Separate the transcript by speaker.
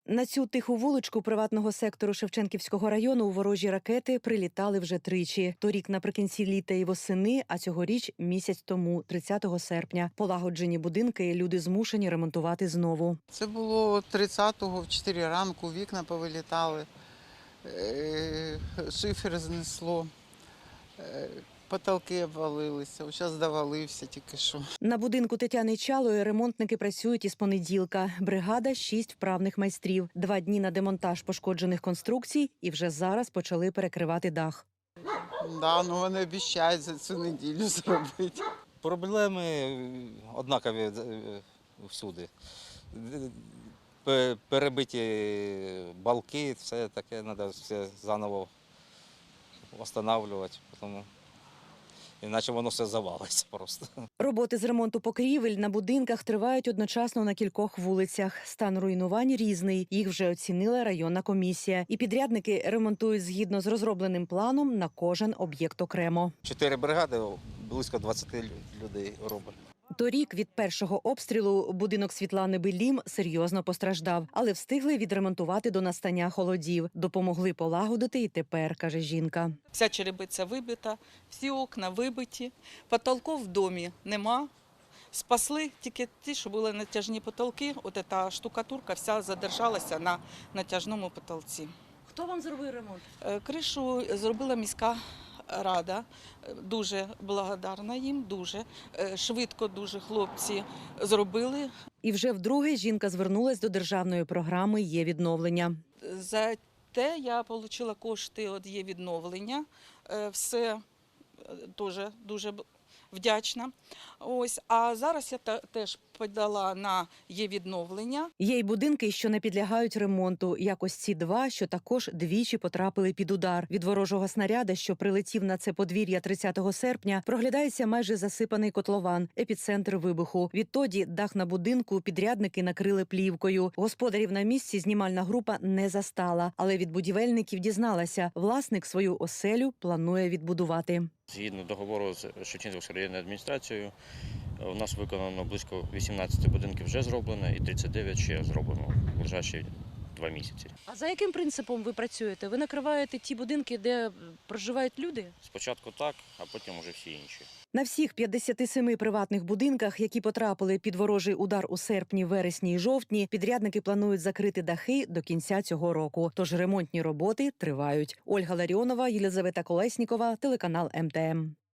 Speaker 1: На цю тиху вуличку приватного сектору Шевченківського району ворожі ракети прилітали вже тричі. Торік наприкінці літа і восени, а цьогоріч місяць тому, 30 серпня. Полагоджені будинки люди змушені ремонтувати знову.
Speaker 2: Це було 30-го, в 4 ранку, вікна повилітали, шифер знесло, потолки обвалилися, зараз довалився тільки що.
Speaker 1: На будинку Тетяни Чалої ремонтники працюють із понеділка. Бригада – 6 вправних майстрів. 2 дні на демонтаж пошкоджених конструкцій і вже зараз почали перекривати дах.
Speaker 2: Да, ну вони обіцяють за цю неділю зробити.
Speaker 3: Проблеми однакові всюди. Перебиті балки, все таке, треба все заново встановлювати, тому іначе воно все завалиться просто.
Speaker 1: Роботи з ремонту покрівель на будинках тривають одночасно на кількох вулицях. Стан руйнувань різний. Їх вже оцінила районна комісія. І підрядники ремонтують згідно з розробленим планом на кожен об'єкт окремо.
Speaker 3: 4 бригади, близько 20 людей робить.
Speaker 1: Торік від першого обстрілу будинок Світлани Белім серйозно постраждав, але встигли відремонтувати до настання холодів. Допомогли полагодити і тепер, каже жінка.
Speaker 4: Вся черепиця вибита, всі окна вибиті, потолків в домі нема. Спасли тільки ті, що були натяжні потолки. От ця штукатурка вся задержалася на натяжному потолці.
Speaker 1: Хто вам зробив ремонт?
Speaker 4: Кришу зробила міська рада. Дуже благодарна їм, дуже швидко дуже хлопці зробили.
Speaker 1: І вже вдруге жінка звернулась до державної програми «Є відновлення».
Speaker 4: За те я отримала кошти від «Є відновлення». Все дуже вдячна. Ось, а зараз я теж подала на «Є відновлення».
Speaker 1: Є й будинки, що не підлягають ремонту, як ось ці 2, що також двічі потрапили під удар. Від ворожого снаряда, що прилетів на це подвір'я 30 серпня, проглядається майже засипаний котлован, епіцентр вибуху. Відтоді дах на будинку підрядники накрили плівкою. Господарів на місці знімальна група не застала, але від будівельників дізналася, власник свою оселю планує відбудувати.
Speaker 5: Згідно договору з Шевченківською районною адміністрацією, у нас виконано близько 18 будинків вже зроблено і 39 ще зроблено в ближайші 2 місяці.
Speaker 1: А за яким принципом ви працюєте? Ви накриваєте ті будинки, де проживають люди?
Speaker 5: Спочатку так, а потім уже всі інші.
Speaker 1: На всіх 57 приватних будинках, які потрапили під ворожий удар у серпні, вересні і жовтні, підрядники планують закрити дахи до кінця цього року. Тож ремонтні роботи тривають. Ольга Ларіонова, Єлизавета Колеснікова, телеканал МТМ.